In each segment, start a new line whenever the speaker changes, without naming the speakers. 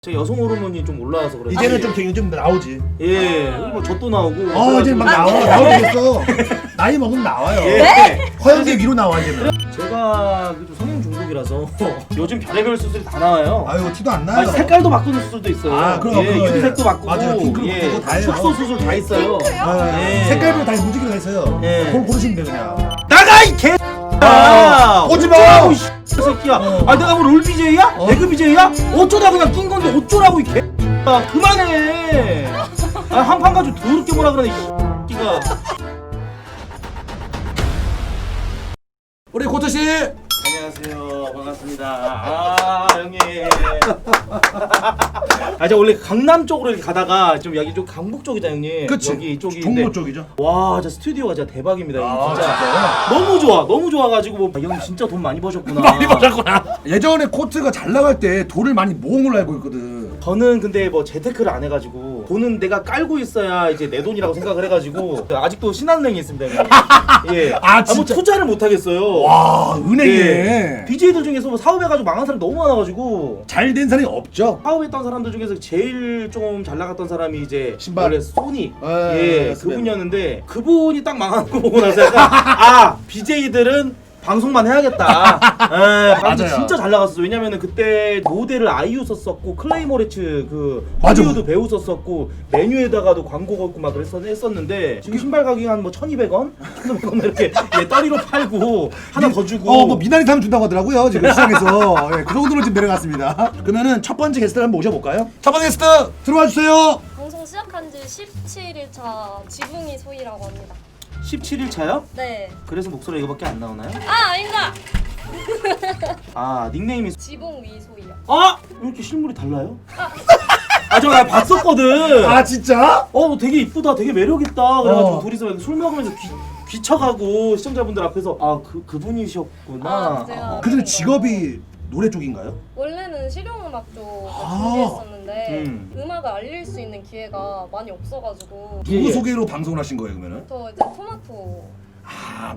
제 여성 호르몬이 좀 올라와서 그래.
이제는 좀 되게 좀 나오지.
예, 뭐 젖도 나오고.
이제 막 나오겠어. 나이 먹으면 나와요.
예.
허영대 위로 나와 이제는.
제가 좀 성형 중독이라서 요즘 별의별 수술이 다 나와요.
아유 티도 안 나요.
색깔도 바꾸는 수술도 있어요.
아, 그럼,
예,
그거,
유색도
예.
바꾸고,
맞아요. 핑크로
예,
바꾸고 다 해요.
축소 수술 다 있어요. 예.
색깔별로 다 움직이게 다 있어요.
예.
그걸 고르시면 돼 그냥.
나가 이 개.
오지 마!
어쩌라고 이 새끼야. 아 내가 뭐 롤 BJ야? 배그 BJ야? 어쩌다 그냥 낀 건데 어쩌라고 이 개. 아 그만해. 아 한 판 가지고 더럽게 뭐라 그러네 이 새끼가.
우리 고토 씨.
안녕하세요. 반갑습니다. 아 형님. 아 제가 원래 강남 쪽으로 이렇게 가다가 좀 여기 좀 강북 쪽이다 형님.
그치.
여기 이쪽이.
종로 쪽이죠.
와, 진짜 스튜디오가 진짜 대박입니다. 형님. 진짜.
진짜요?
너무 좋아. 너무 좋아가지고 뭐 형님 진짜 돈 많이 버셨구나.
많이 받았구나. 예전에 코트가 잘 나갈 때 돌을 많이 모은 걸로 알고 있거든.
저는 근데 뭐 재테크를 안 해가지고 돈은 내가 깔고 있어야 이제 내 돈이라고 생각을 해가지고 아직도 신한은행에 있습니다. 형님. 예.
아,
뭐
진짜?
투자를 못 하겠어요.
와 은행에
예. BJ들 중에서 뭐 사업해가지고 망한 사람 너무 많아가지고
잘 된 사람이 없죠.
사업했던 사람들 중에서 제일 좀 잘 나갔던 사람이 이제
신발.
원래 소니
예,
그분이었는데 그분이 딱 망하는 거 보고 나서 약간 아 BJ들은 방송만 해야겠다. 방송
맞아요.
진짜 잘 나갔었어. 왜냐면은 그때 모델을 아이유 썼었고 클레이모레츠 그
맞아.
헐리우드 배우 썼었고 메뉴에다가도 광고 걸고 막 했었는데 지금 신발 가격이 한 뭐 1,200원, 1,500원 이렇게 예, 떨이로 팔고 하나 더 주고.
뭐 미나리 사면 준다고 하더라고요 지금 시장에서. 예, 그 정도로 지금 내려갔습니다. 그러면은 첫 번째 게스트를 한번 모셔볼까요? 첫 번째 게스트 들어와 주세요.
방송 시작한 지 17일차 지붕이 소희라고 합니다.
17일 차요?
네.
그래서 목소리 이거밖에 안 나오나요?
아, 아니다.
아 닉네임이
지붕 위 소희요.
아! 왜 이렇게 실물이 달라요? 아 저 나 봤었거든.
아 진짜?
되게 이쁘다, 되게 매력있다. 그래가지고 둘이서 술 먹으면서 귀쳐가고 시청자분들 앞에서 그분이셨구나.
아, 제가
그전에 직업이 노래 쪽인가요?
원래는 실용음악 쪽
아.
준비했었는데
음.
음악을 알릴 수 있는 기회가 많이 없어가지고
예,
누구
예.
소개로 방송을 하신 거예요 그러면은?
저 이제 토마토
아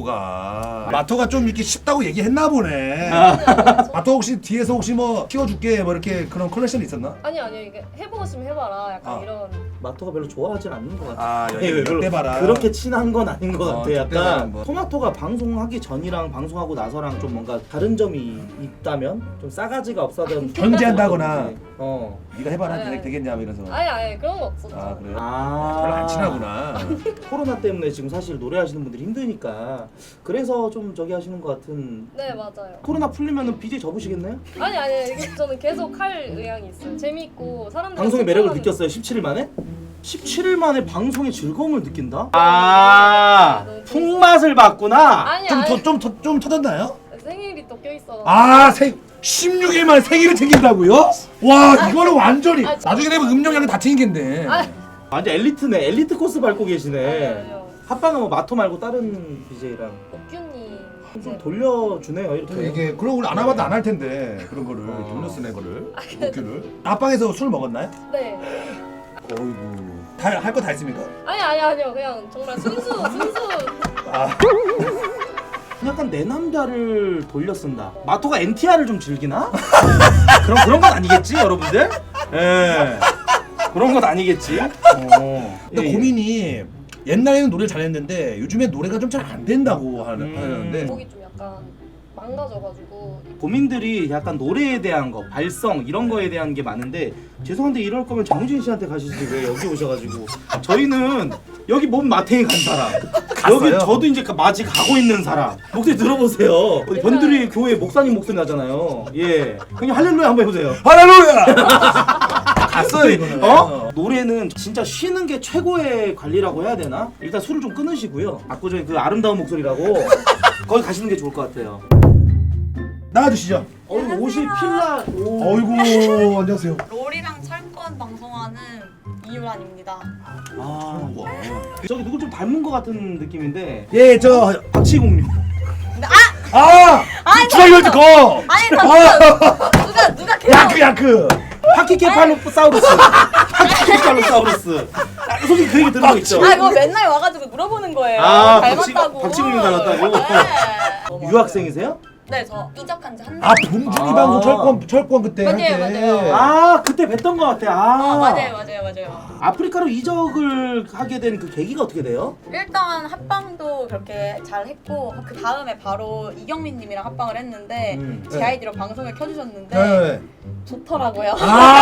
마토가 좀 이렇게 쉽다고 얘기했나 보네.
아니,
마토 혹시 뒤에서 혹시 뭐 키워줄게 뭐 이렇게 그런 컬렉션이 있었나?
아니 이게 해보고 싶으면 해봐라 약간
아.
이런.
마토가 별로 좋아하진 않는 것 같아.
아
예, 별로
때봐라.
그렇게 친한 건 아닌 것 같아.
때봐라,
약간
뭐.
토마토가 방송하기 전이랑 방송하고 나서랑 좀 뭔가 다른 점이 있다면 좀 싸가지가 없어던
견제한다거나.
네.
네가 해봐라
네.
되겠냐 뭐 이러면서.
아니 그런 거 없었죠.
아 그래요?
아
별로 안 친하구나.
코로나 때문에 지금 사실 노래하시는 분들이 힘드니까 그래서 좀 저기 하시는 것 같은.
네 맞아요.
코로나 풀리면은 BJ 접으시겠네요?
아니 이게 저는 계속 할 의향이 있어요. 재밌고 사람들
방송의 매력을 느꼈어요. 17일 만에? 17일 만에 방송의 즐거움을 느낀다? 아 풍맛을 봤구나.
아니
좀 터졌나요?
생일이 또 껴있어.
16일 만에 생일을 챙긴다고요? 와 이거는 완전히
아,
나중에 되면 음력량을 다 챙기겠네.
완전 엘리트네. 엘리트 코스 밟고 계시네.
아니요.
합방은 뭐 마토 말고 다른 BJ랑
옥규님
좀
이제
돌려주네요 이렇게.
이게 그런 걸 안 해봐도 안 할 텐데 그런 거를 돌려 쓰는 거를 웃기를. 앞방에서 술 먹었나요?
네.
어이구 다 할 거 다 했습니까?
아니요 그냥 정말 순수
아
약간 내 남자를 돌려 쓴다. 마토가 NTR을 좀 즐기나? 그런 건 아니겠지 여러분들? 예. 그런 건 아니겠지.
근데 고민이 옛날에는 노래 잘했는데 요즘에 노래가 좀 잘 안 된다고 하는데
목이 좀 약간 망가져가지고
고민들이 약간 노래에 대한 거, 발성 이런 거에 대한 게 많은데 죄송한데 이럴 거면 정우진 씨한테 가시지 왜 여기 오셔가지고. 저희는 여기 몸 마탱이 간 사람,
갔어요?
여기 저도 이제 마치 가고 있는 사람. 목소리 들어보세요. 어디 변두리 교회 목사님 목소리 나잖아요. 예, 형님 할렐루야 한번 해보세요.
할렐루야! 갔어요 이거는.
노래는 진짜 쉬는 게 최고의 관리라고 해야 되나? 일단 술을 좀 끊으시고요. 압구정의 그 아름다운 목소리라고 거기 가시는 게 좋을 것 같아요.
나와주시죠.
옷이 필라.
어이구 안녕하세요.
롤이랑 철권 방송하는 이유란입니다.
아, 저기 누구 좀 닮은 것 같은 느낌인데.
예, 저
박치공룡.
주사위 월드 거.
아니 잠깐 누가 계속
야크.
파키케팔로사우루스. 파키케팔로사우루스. 솔직히 그 얘기 들은 거 있죠?
그거 맨날 와가지고 물어보는 거예요.
아,
닮았다고.
박치공룡 닮았다고?
네.
유학생이세요?
네, 저 이적한 지 한 달.
아 봉준이
아.
방송 철권 그때 할 때.
맞아요.
아 그때 뵀던 것 같아. 아
맞아요.
아프리카로 이적을 하게 된 그 계기가 어떻게 돼요?
일단 합방도 그렇게 잘 했고 그 다음에 바로 이경민님이랑 합방을 했는데 제
네.
아이디로 방송을 켜주셨는데
네.
좋더라고요.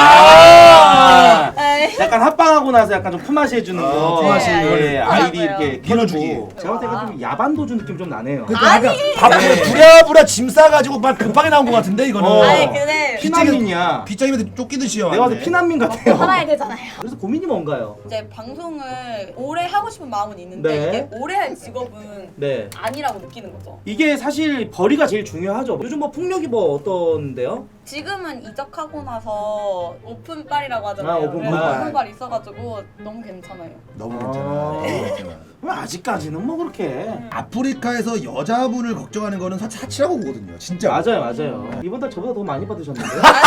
아
네.
약간 합방하고 나서 약간 좀 품앗이 해주는 거.
품앗이.
예, 아이디
좋더라고요.
이렇게
밀어주기.
켜주고. 제가 봤을 때가 좀 야반 도주 느낌 좀 나네요.
그때 약간 밥을 부랴부랴 짐 싸가지고 막 급하게 나온 것 같은데 이거는.
아니 근데
피난민이야.
빗장님한테 쫓기듯이요.
내가 봤을 때 피난민 같아요.
살아야 되잖아요.
그래서 고민이 뭔가요?
이제 방송을 오래 하고 싶은 마음은 있는데
네.
이게 오래 할 직업은
네.
아니라고 느끼는 거죠.
이게 사실 벌이가 제일 중요하죠. 요즘 뭐 풍력이 뭐 어떤데요?
지금은 이적하고 나서 오픈빨이라고 하잖아요.
아, 오픈빨.
그래서 오픈빨 있어가지고 너무 괜찮아요.
너무
아.
괜찮아. 너무 괜찮아.
왜 아직까지는 뭐 그렇게.
아프리카에서 여자분을 걱정하는 거는 사치라고 보거든요. 진짜.
맞아요. 이번 달 저보다 더 많이 받으셨는데.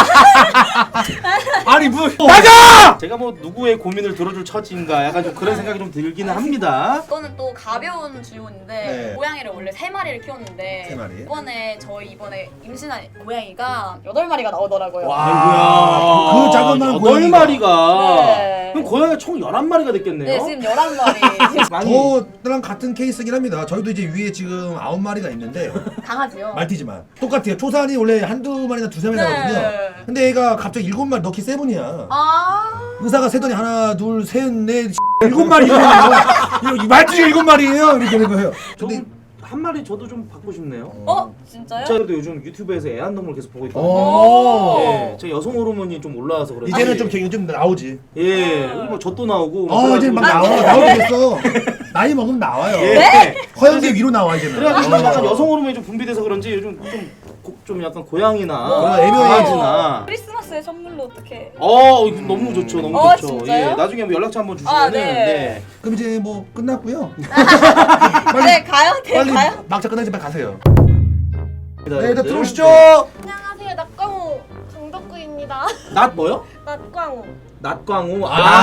아니 뭐
맞아! 제가 뭐 누구의 고민을 들어줄 처지인가 약간 좀 그런 생각이 좀 들기는 합니다.
이거는 또 가벼운 질문인데
네.
고양이를 원래 3마리를 키웠는데
3마리?
이번에 임신한 고양이가 8마리가 나오더라고요.
그 자그마한 고양이가.
8마리가.
네.
그럼 고양이가 총 11마리가 됐겠네요.
네, 지금 11마리.
많이
저랑 같은 케이스긴 합니다. 저희도 이제 위에 지금 9마리가 있는데
강아지요.
말티즈만 똑같아요. 초산이 원래 한두 마리나 두세 마리
네.
나거든요. 근데 얘가 갑자기 7마리 넣기 세븐이야.
아,
의사가 세더니 하나 둘 셋 넷 7마리예요. 말티즈 7마리예요. 이렇게 되는 거예요. 근데
한 마리 저도 좀 받고 싶네요.
진짜요?
제가 그래도 요즘 유튜브에서 애완동물 계속 보고 있거든요.
오.
예, 제 여성 호르몬이 좀 올라와서 그런지.
이제는 좀 요즘 나오지.
예, 뭐 젖도 나오고.
이제 막 나오게 됐어. 나이 먹으면 나와요.
예.
허영대 위로 나와 이제는.
그래가지고 약간 여성 호르몬이 좀 분비돼서 그런지 요즘 좀 약간 고양이나
애묘해.
강아지나.
크리스마스에 선물로 어떻게?
너무 좋죠, 너무 좋죠.
진짜요?
예, 나중에 뭐 연락처 한번 주시면은.
네.
그럼 이제 뭐 끝났고요.
네, 가요?
빨리
가요?
막차 끝나지 빨리 가세요.
네,
네, 일단 들어오시죠.
안녕하세요. 낙광호 강덕구입니다.
낫 뭐요?
낙광호.
낫광우.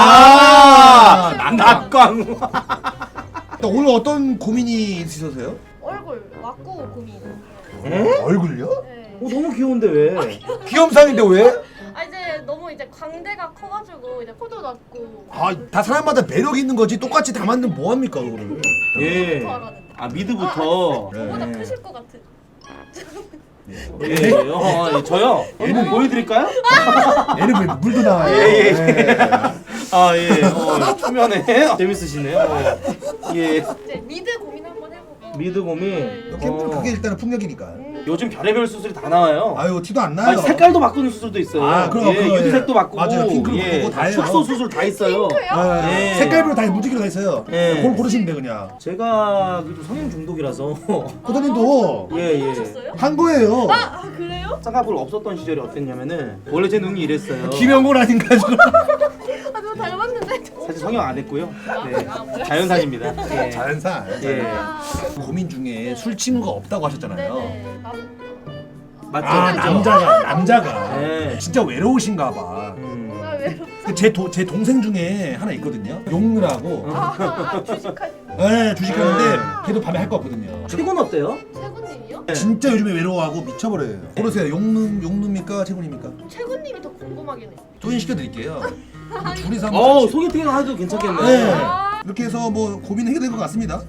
낫광우.
낫광우.
오늘 어떤 고민이 있으셔서요?
얼굴 왁구 고민.
얼굴요?
네.
너무 귀여운데 왜?
귀염상인데 왜?
아 이제 너무 이제 광대가 커가지고 이제 코도 낮고.
다 사람마다 매력 있는 거지. 똑같이 다 만들면 뭐 합니까 그거를?
예.
알았는데.
미드부터.
저보다
네.
크실 것 같은.
예. 저요.
얘는
보여드릴까요?
얘는 왜 물도 나와요?
예.
네.
예. 초면에 재밌으시네요. 예.
이제 미드 고민 한번 해보고.
미드 고민.
네.
그게 일단은 풍력이니까.
요즘 별의별 수술이 다 나와요.
아유 티도 안 나요.
색깔도 바꾸는 수술도 있어요.
그럼
예,
그거,
유리색도
예.
바꾸고,
맞아요. 핑크로 바꾸고 다 해요.
축소 수술 다 있어요. 예.
색깔별로 다 무지개로 다 있어요.
예.
그걸 고르시면 돼 그냥.
제가 그래도 성형 중독이라서
코다님도
예.
한 거예요.
아 그래요?
쌍꺼풀 없었던 시절이 어땠냐면은 원래 제 눈이 이랬어요.
김영곤 아닌가 지금.
아 너무 닮았는데.
사실 성형 안 했고요. 네. 자연산입니다. 예.
자연산.
예.
고민 중에 술 친구가 없다고 하셨잖아요.
네네.
맞죠?
남자가
네.
진짜 외로우신가 봐.
아 왜요?
제 동생 중에 하나 있거든요. 용르라고.
주식하시는
네, 주식하는데 걔도 밤에 할 거 없거든요.
최고는 어때요?
최군님이요?
진짜 요즘에 외로워하고 미쳐버려요. 고르세요. 용누입니까? 채군입니까?
최군님이 더 궁금하긴 해.
조인 시켜드릴게요. 둘이서 한번 같이.
소개팅 해도 괜찮겠네.
네. 이렇게 해서 뭐 고민 해결될 것 같습니다.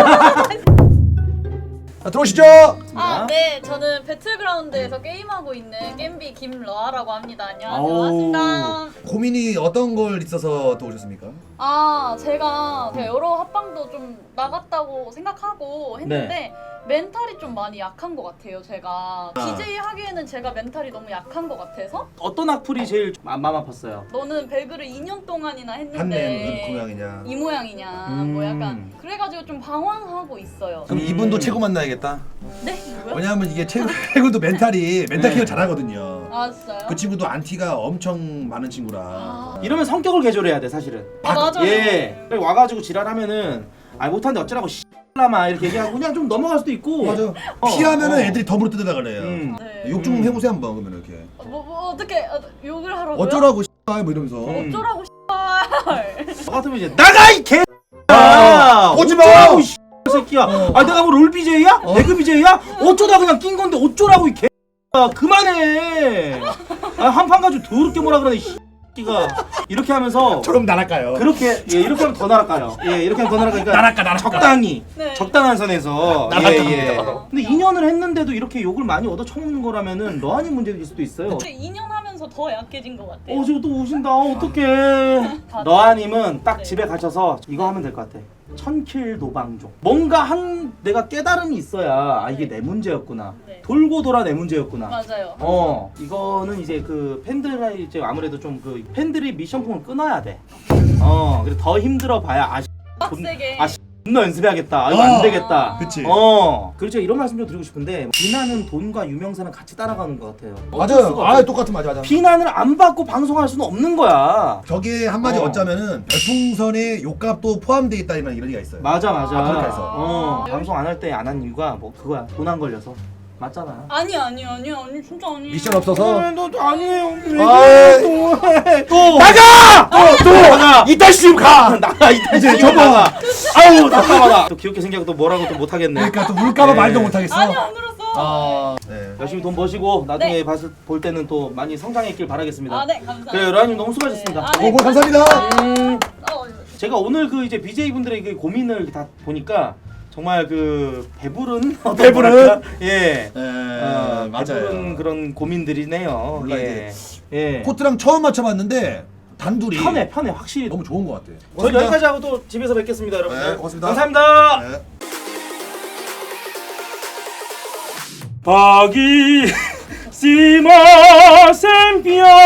자, 들어오시죠.
아, 네. 저는 배틀그라운드에서 게임하고 있는 겜비 김러아라고 합니다. 안녕하세요.
아우.
반갑습니다.
고민이 어떤 걸 있어서 또 오셨습니까?
제가 여러 합방도 좀 나갔다고 생각하고 했는데 멘탈이 좀 많이 약한 것 같아요. 제가 BJ 하기에는 제가 멘탈이 너무 약한 것 같아서
어떤 악플이 제일 마음 아팠어요?
너는 배그를 2년 동안이나
한내
했는데
무슨 고양이냐.
이 모양이냐 뭐 약간 그래가지고 좀 방황하고 있어요.
그럼 이분도 최고 만나야겠다.
네? 뭐요?
왜냐하면 이게 최고도 멘탈 케어 잘하거든요.
아 진짜요?
그 친구도 안티가 엄청 많은 친구라.
아,
이러면 성격을 개조해야 돼 사실은.
맞아요.
예. 와가지고 지랄하면은 못하는데 어쩌라고 씨라마 이렇게 얘기하고 그냥 좀 넘어갈 수도 있고.
맞아. 피하면은 애들이 더 물어뜯으려 그래요.
네.
욕 좀 해보세요 한번 그러면 이렇게.
뭐 어떻게 욕을 하라고요?
어쩌라고 뭐 이러면서.
어쩌라고 씨발.
저 같으면 이제 나가 이 개.
오지 마!
어쩌라고 새끼야. 아 내가 뭐 롤 BJ야? 배그 BJ야? 어쩌다 그냥 낀 건데 어쩌라고 이 개. 그만해. 아, 한판 가지고 더럽게 뭐라 그러네. 가 이렇게 하면서
저럼 날아가요.
그렇게 예 이렇게 하면 더 날아가요. 예 이렇게 하면 더 날아가니까
날아가.
적당히
네.
적당한 선에서
날아갑니다.
예. 근데 2년을 했는데도 이렇게 욕을 많이 얻어 처먹는 거라면은 너한이 문제일 수도 있어요.
근데 2년 하면서 더 약해진 것 같아요.
지금 또 오신다. 어떡해. 너아님은 딱
네.
집에 가셔서 이거 하면 될 것 같아. 1000킬 도방종. 뭔가 한 내가 깨달음이 있어야 아 이게 내 문제였구나.
네.
돌고 돌아 내 문제였구나.
맞아요.
이거는 이제 그 팬들이 이제 아무래도 좀 그 팬들이 미션풍을 끊어야 돼. 그래서 더 힘들어 봐야
빡세게.
존나 연습해야겠다. 이거 안 되겠다.
그치.
그렇죠. 이런 말씀 좀 드리고 싶은데 비난은 돈과 유명세는 같이 따라가는 것 같아요. 어쩔
맞아요.
수가 없어요.
똑같은 맞아.
비난을 안 받고 방송할 수는 없는 거야.
저게 한마디 얻자면은 별풍선에 욕값도 포함되어 있다는 이런 얘기가 있어요.
맞아.
그렇게 해서.
방송 안 할 때 안 한 이유가 뭐 그거야. 돈 안 걸려서. 맞잖아.
아니 진짜 아니에요.
미션 없어서.
너 아니에요.
또
나가! 또 나가!
이따 지금 가.
나가 이따
이제
지금
저거.
나가. 아우 답답하다. 또 귀엽게 생겨서 또 뭐라고 또 못하겠네.
그러니까 또 울까봐
네.
말도 못하겠어.
아니 안 울었어.
네.
열심히 돈 버시고 나중에
네.
볼 때는 또 많이 성장했길 바라겠습니다.
아 네 감사합니다.
그래요, 로아님 너무 수고하셨습니다.
네. 아, 네.
오고 감사합니다.
제가 오늘 그 이제 BJ 분들의 그 고민을 다 보니까 정말 그 배부른 예. 배부른 그런 고민들이네요.
몰라,
예. 예.
코트랑 처음 맞춰봤는데 단둘이
편해 확실히.
너무 좋은 것 같아.
저희 여기까지 하고 또 집에서 뵙겠습니다, 여러분.
네, 고맙습니다.
감사합니다.
네.
박이 시마센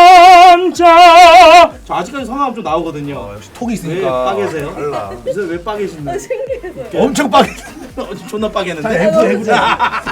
피안자. 저 아직까지 성함 좀 나오거든요.
역시 톡이
왜
있으니까.
빠개세요?
달라.
요새 왜 빠개신데?
엄청 빠개.
존나 빠개는데.
애부자.